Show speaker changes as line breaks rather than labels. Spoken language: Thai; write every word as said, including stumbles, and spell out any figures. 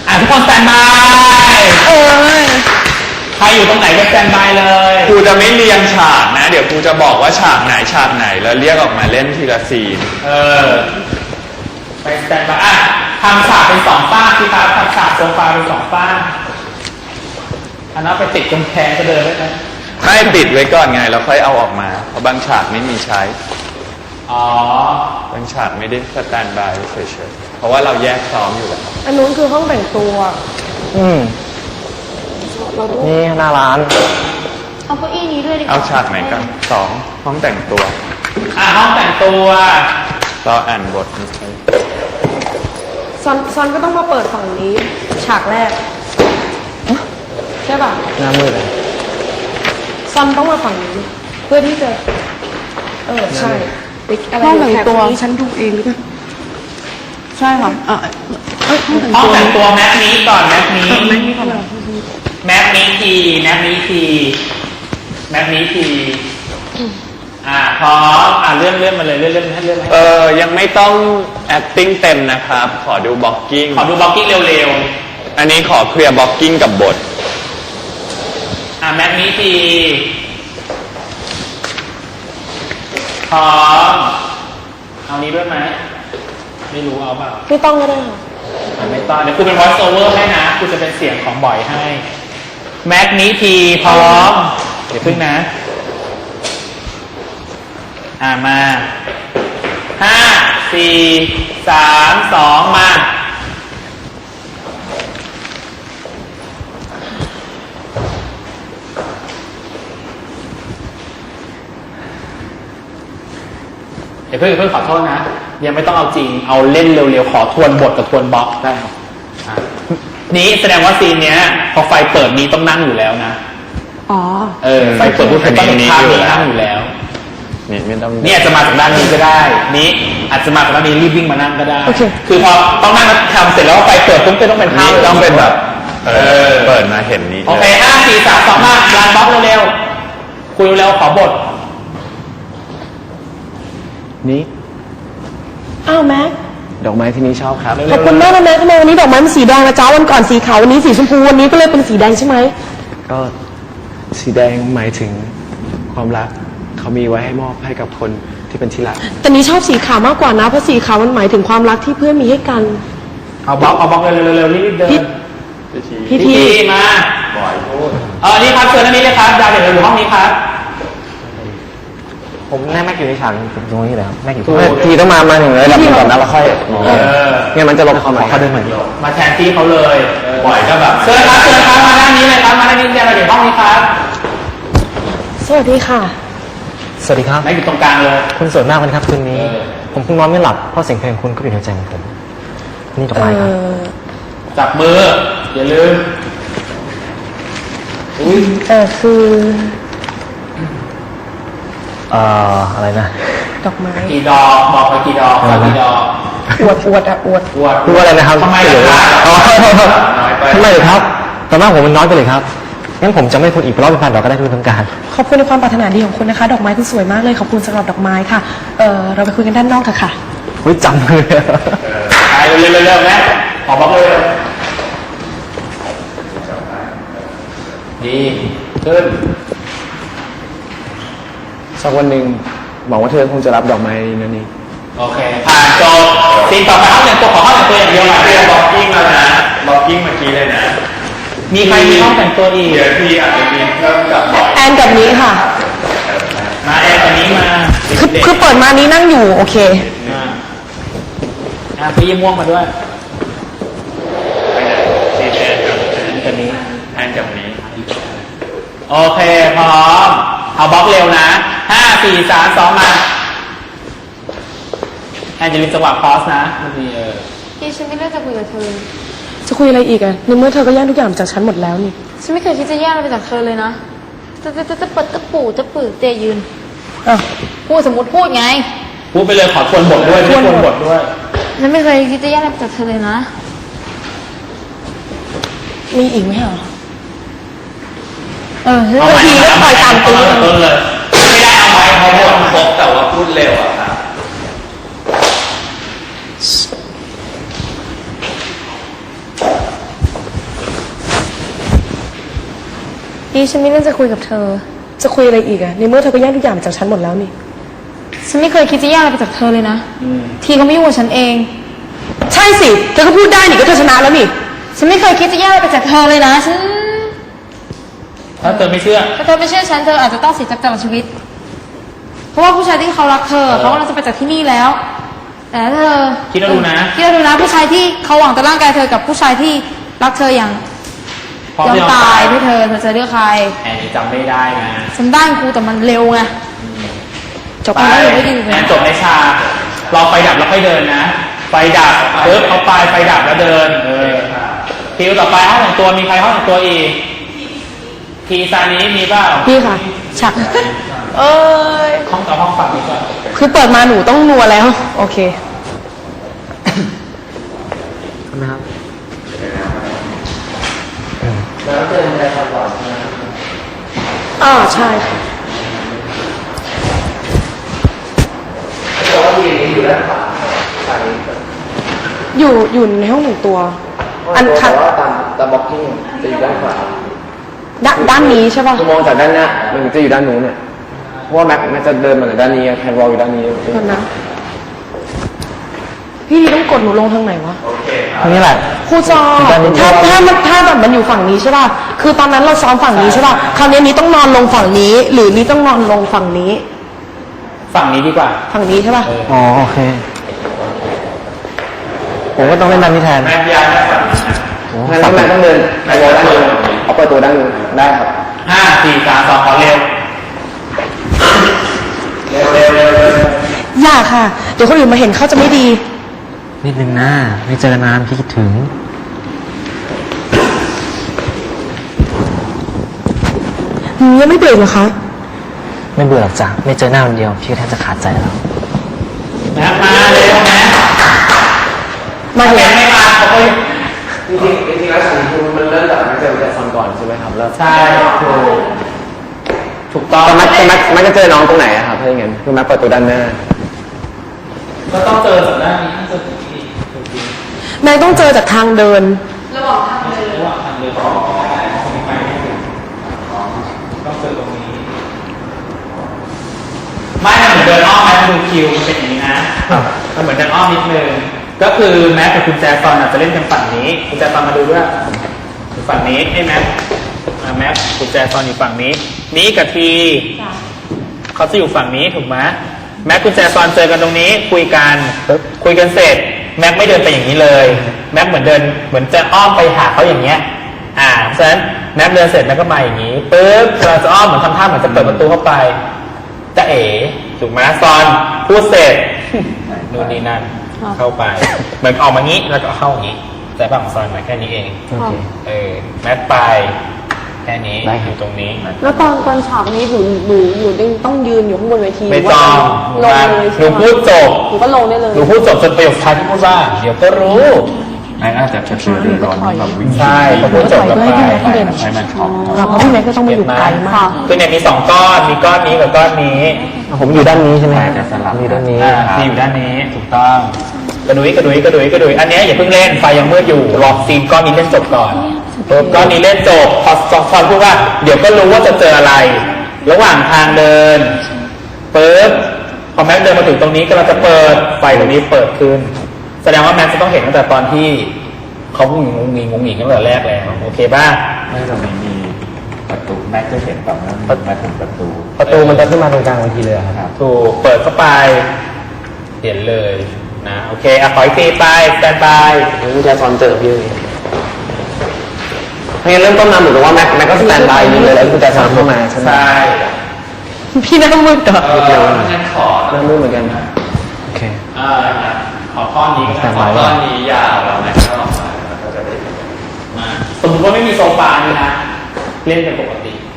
อ่ะทุกคนสแตนบายเออใครอยู่ตรงไหนก็สแตนบายเลย
ครูจะไม่เรียงฉากนะเดี๋ยวครูจะบอกว่าฉากไหนฉากไหนแล้วเรียกออกมาเล่นทีละซีน
เออไปสแตนบายอ่ะทำฉากเป็นสองฝ้าสิครับทำฉากโซฟาเป็นสองฝ้าอันนั้นไปติดกำแพงก็เดินได้ไหม
ไม่ติดไว้ก่อนไงแล้วค่อยเอาออกมาเพราะบางฉากไม่มีใช้
อ๋อบ
างฉากไม่ได้สแตนบายเฉยๆเพราะว่าเราแยกซ้อมอยู่แล้ว
อันนู้นคือห้องแต่งตัว
อืมนี่หน้าร้าน
เอาเก้าอี้นี้ด้วยดิ
เอาฉากไหนกันสองห้องแต่งตัว
อ่ะห้องแต่งตัว
รออ่านบท
ซอนซอนก็ต้องมาเปิดฝั่งนี้ฉากแรกใช่ป่ะ
หน้ามืดเลย
ซอนต้องมาฝั่งนี้เพื่อที่จะเออใช่
ห้องแต่งตัวฉันดูเองหรือเปล่าใช่ค่ะอ่ะ
ห้องแต่งตัวแม็กนี้ก่อนแม็กนี้แม็กนี้ก่อนแม็กนี้ทีแม็กนี้ทีแม็กนี้ทีอ่าพร้อมอ่าเลื่อนเลื่อนมาเลยเลื่อนเลื่อนให้เลื่อน
เออยังไม่ต้อง acting เต็มนะครับขอดู blocking
ขอดู blocking เร็ว
ๆอันนี้ขอเคลียร์ blocking กับบท
อ่าแม็กนี้ทีพร้อมเอานี้ด้วยไหมไม่รู้เอาเปล่า
ไม่ต้องก็ได้ค่ะ
ไม่ต้องเดี๋ยวคุณเป็น voice over ให้นะคุณจะเป็นเสียงของบ่อยให้แม็กนี้ทีพร้อมเดี๋ยวพึ่งนะอ่ามาห้าสี่สามสองมาเดี๋ยวเพื่อนเพื่อนขอโทษนะยังไม่ต้องเอาจริงเอาเล่นเร็วๆขอทวนบทกับทวนบล็อกได้ครับนี้แสดงว่าซีนเนี้ยพอไฟเปิดนี้ต้องนั่งอยู่แล้วนะ
อ๋อ
เออไฟเปิดผู้คนต้องเห็นภาพนี้นั่งอยู่แล้ว
นี่ไม่ต้อง
นี่อาจจะมาจากด้านนี้ก็ได้นี้อาจจะมาจากด้านนี้รีบวิ่งมานั่งก็ได้คือพอต้องนั่งทำเสร็จแล้วไฟเปิดปุ๊บก็ต้องเป็นภาพ
ต้องเป็นแบบเออเปิดมาเห็นนี้
โอเคห้าสี่สามสองมารันบล็อกเร็วๆคุยเร็วๆขอบท
นี่
อ้าวแม็ก
ดอกไม้ที่นี่ชอบครับ
ขอบคุณมากนะแม็กทำไมวันนี้ดอกไม้มันสีแดงนะจ๊ะวันก่อนสีขาววันนี้สีชมพูวันนี้ก็เลยเป็นสีแดงใช่ไหม
ก็สีแดงหมายถึงความรักเขามีไว้ให้มอบให้กับคนที่เป็นที่รัก
แต่นี้ชอบสีขาวมากกว่านะเพราะสีขาวมันหมายถึงความรักที่เพื่อนมีให้กัน
เอาบล็อกเอาบล็อกเร็วๆๆรีบเดิน
พี่ที
มาบ่อยพูดเออนี่ครับเชิญท่านนี้เลยครับดาวเดี๋ยวเราอยู่ห้องนี้ครับ
ผมแม่แม่อยู่ในฉากตรงนี้เลยครับแม่อยู่ทีต้องมามาหนึ่งเลยแล้วก่อนนะแล้วค่อยเนี่ยมันจะลบเขาใหม่เขาเดินใหม่
มาแทนที่เขาเลยบ่อยก็แบบเชิญครับเชิญครับมาด้านนี้เลยครับมาด้านนี้เดี๋ยวเราอยู่ห้องนี้ครับ
สวัสดีค่ะ
สวัสดีครับ
แม่อยู่ตรงกลางเลย
คุณสวยมากเลยครับคืนนี้ผมเพิ่งนอนไม่หลับเพราะเสียงเพลงคุณก็อยู่ในใจของผมนี่ดอกไม้ครับ
จับมืออย่าลืม
อุ้ยเออคือ
เอ่ออะไรนะ
ดอกไม้
กี่ดอกบอกไปกี่ดอกกี่ดอก
อวดอวดอะอวด
อวด
พูดอะไรนะครับ
ทำไม
เหรอทำไมเหรอครับตอนแรกผมมันน้อยไปเลยครับงั้นผมจะไม่พูดอีกเพราะเป็นพันดอกก็ได้ทุกทั้งการ
ขอบคุณในความปรารถนาดีของคุณนะคะดอกไม้คุณสวยมากเลยขอบคุณสำหรับดอกไม้ค่ะเออเราไปคุยกันด้านนอกค่ะค่ะ
เฮ้ยจำเลย
ไปเร็วๆเร็วๆนะขอบอกเลยดีขึ้น
สักวันหนึ่งบอกว่าเธอคงจะรับดอกไม้นั่นนี่
โอเคผ่านจบซีนต่อไปห้องแต่งตัวขอห้องแต่งตัวอย่างเดียวนะ
เรียนบล็อกกิ้งแล้วนะบล็อกกิ้งเมื่อกี้เลยนะ
มีใครมีห้องแต่งตัวอีก
เดี๋ยวพี่อาจจะมีเพิ่มกับบ่อย
แอนกับนี้ค่ะ
มาแอนกับนี้มา
คือคือเปิดมานี้นั่งอยู่โอเค
อ่าพี่ยิ้มม่วงมาด้วย
ไปไหนซีแอนกับ
แอนกับนี้
แอนกับนี้
โอเคพร้อมเอาบล็อกเร็วนะห้าสี่สามสองมาแอนจะมีจังหวะพอสนะมันมีเออ
พี่ฉันไม่เลือกจะคุยกับเธอ
จะคุยอะไรอีกอะในเมื่อเธอก็แย่งทุกอย่างจากฉันหมดแล้วนี่
ฉันไม่เคยคิดจะแย่งอะไรไปจากเธอเลยนะจะจะจะจะเปิดตะปูตะปือเตยยืน
อ่ะ
พูดสมมติพูดไง
พูดไปเลยขอทวนบทด้วยทวนบทด้วย
ฉันไม่เคยคิดจะแย่งอะไรจากเธอเลยนะ
มีอีกไหมเหรอ
เออเฮ้
ยทีก็คอยตามตื้อ
เลยไม่ได้เอาไว้
เขาบทครบแต่ว่าพูดเร็วอะครับ
นี่ฉันไม่เรื่องจะคุยกับเธอ
จะคุยอะไรอีกอะในเมื่อเธอก็แย่งทุกอย่างจากฉันหมดแล้วนี่
ฉันไม่เคยคิดจะแย่งอะไรไปจากเธอเลยนะ ทีเขาไม่ยุ่งกับฉันเอง
ใช่สิเธอก็พูดได้นี่ก็เธอชนะแล้วนี่
ฉันไม่เคยคิดจะแย่งอะไรไปจากเธอเลยนะ ฉัน
ถ้าเธอไม่เชื่อ
ถ้าเธอไม่เชื่อฉันเธออาจจะต้องเสียใจตลอดชีวิต เพราะว่าผู้ชายที่เขารักเธอเขากำลังจะไปจากที่นี่แล้ว แต่ถ้าเธอ
คิดเอาดูนะ
คิดเอาดูนะผู้ชายที่เขาหวังแต่ร่างกายเธอกับผู้ชายที่รักเธออย่าง
พร้อม
ยอม
ที่จะ
ตายเพื่อเธอเธอจะเลือกใคร
แอนนี่จำไม่ได้นะ
ฉันได้กูแต่มันเร็วไง
จบ
ไป
แล้ว
ไม่ดีเลย
แอนจบในฉากรอไฟดับแล้วค่อยเดินนะ ไฟดับปึ๊บเอาไปไฟดับแล้วเดิน เออคิวต่อไปห้องแต่งตัวมีใครห้องแต่งตัวอีก ทีซานี้มีเปล่า
พี่ค่ะฉากเอ้ย
ห้องต่อห้องฝั่งนี้ก่อน
คือเปิดมาหนูต้องนัวแล้ว โอเค
นะครับ
อ่าใช่ค่ะอยู่อยู่ในห้องหนึ่งตัว อันค่ะ
แต่ว่าตามตามบล็อกกิ้งจะอยู่ด้านขวา
ด้านด้านนี้ใช่ป่ะ
คือมองจากด้านหน้ามันจะอยู่ด้านนู้นเนี่ยเพราะว่าแม็กแม็กจะเดินมาจากด้านนี้แคนวอลอยู่ด้านนี้
ก่อนนะ พี่ต้องกดหนูลงทางไหนวะ
ตรงนี้แหละ
ครูจอถ้าถ้ามันถ้าแบบมันอยู่ฝั่งนี้ใช่ป่ะ คือตอนนั้นเราซ้อมฝั่งนี้ใช่ป่ะ คราวนี้นี้ต้องนอนลงฝั่งนี้ หรือนี้ต้องนอนลงฝั่งนี้
ฝั่งนี้ดีกว่า
ฝั่งนี้ใช่ป่ะ
อ๋อโอเค ผมก็ต้องเล่นด้านนี้แทน
แม่ยายได้ฝั่งนี้นะ
งั้นแม็กต้องเดินแคนวอลด้านนู้นเอาเปิดตัวด้านนู้นได้ครับ
ห้าสี่สามสองขอเร็ว เร็วเร็วเร็วเร็ว
อย่าค่ะ เดี๋ยวคนอื่นมาเห็นเขาจะไม่ดี
นิดนึงนะไม่เจอนานพี่คิดถึง
หืมยังไม่เบรกเหรอคะ
ไม่เบื่อหรอกจ้ะไม่เจอหน้าวันเดียวพี่ก็แทบจะขาดใจแล้ว
แม่มาเร็วแม่
มา
แม่
เห็น
ไม่มาเขาก็
จริงๆจริงๆแล้วสิ่งที่มันเริ่มจากแม็กเจอแต่ซอนก่อนใช่ไหมครับแล้ว
ใช่ถูกถูกต้อง
แต่แม็กแม็กแม็กจะเจอน้องตรงไหนอะครับถ้าอย่างนั้นคือแม็กเปิดตัวด้านหน้า
ก็ต้องเจอจากด้านนี้ต้องเจอจากนี้
แม่ต้องเจอจากทางเดิน
ระหว่างทางเดินของไปไม่ถึงต้องเจอตรงนี้ไม่มันเหมือนเดินอ้อมไหมดูคิวมันเป็นอย่างนี้นะมันเหมือนเดินอ้อมนิดนึงก็คือแม็กกับคุณแจซอนอาจจะเล่นกันฝั่งนี้คุณแจซอนมาดูด้วยอยู่ฝั่งนี้ให้แม็กอ่าแม็กคุณแจซอนอยู่ฝั่งนี้นี้กับทีเขาจะอยู่ฝั่งนี้ถูกไหมแม็กคุณแจซอนเจอกันตรงนี้คุยกันปึ๊บคุยกันเสร็จแม็กไม่เดินไปอย่างนี้เลยแม็กเหมือนเดินเหมือนจะอ้อมไปหาเขาอย่างเงี้ยอ่าฉะนั้นแม็กเดินเสร็จแม็กก็มาอย่างนี้ปึ๊บเราจะอ้อมเหมือนทำท่าเหมือนจะเปิดประตูเข้าไปจะเอ๋ถูกไหมซอนพูดเสร็จนู่นนี่นั่นเข้าไปเหมือนออกมางี้แล้วก็เข้าอย่างนี้แต่บางซอนมาแค่นี้เอง
โอเค
เออแม็กไปแค่นี้อยู่ตรงนี้
แล้วตอนตอนฉากนี้หนูหนูหนูต้องยืนอยู่ข้างบนเวที
ไม่ต้อง
ลง
มา
เลย
หนูพูดจบ
หนูก็ลงได้เลย
หนูพูดจบจนประโยคท้ายที่พูดว่าเดี๋ยวก็รู้
แม่น่าจะจะคือรีร้อนแบบวิ่ง
ใช่พอพูดจบแล้วไป
ให้มันช็อป
เราเพราะพี่แม็กก็ต้องมาอยู่ไกลมาก
คือเนี่ยมีสองก้อน มีก้อนนี้กับก้อนนี้
ผมอยู่ด้านนี้ใช่ไหม
ใช่จะสลับ
อยู่ด้านนี้
อ่าที่อยู่ด้านนี้ถูกต้อง กระดุยกระดุยกระดุยกระดุยอันเนี้ยอย่าเพิ่งเล่นไฟยังมืดอยู่รอซีนก้อนนี้เล่นจบก่อนก้อนนี้เล่นจบพอสองคนพูดว่าเดี๋ยวก็รู้ว่าจะเจออะไร ระหว่างทางเดินปึ๊บพอแม็กเดินมาถึงตรงนี้ก็เราจะเปิดไฟตรงนี้เปิดขึ้น แสดงว่าแม็กจะต้องเห็นตั้งแต่ตอนที่เขางุงงงงงงตั้งแต่แรกแล้วโอเคป่ะ
ไม่ตรงนี้มีประตูแม็กจะเห็นแบบนั้นมาถึงประตู
ประตูมันจะขึ้นมาตรงกลางเวทีเลยอะครับ
ถูกเปิดเข้าไปเห็นเลยนะโอเคอ่ะขออีกทีไปสแตนบาย
คุณแจซอนเจอพี่งั้นเริ่มต้นมาเหมือนกับว่าแม็กแม็กก็สแตนบายยิงเลยแล้วคุณแจซอนเข้ามาใช่ไหม
ใช่
พี่แม็กก็มืดเหรอ
เดี๋ยวงั้นขอ
เริ่มมืดเหมือนกันโอเค
อ่าขอก้อนนี้
สแตนบาย
ก้อนนี้ยาวแล้วแม็กก็ออกมาแล้วก็จะได้มาสมมติว่าไม่มีโซฟาเลยนะ เล่นเป็นปกติ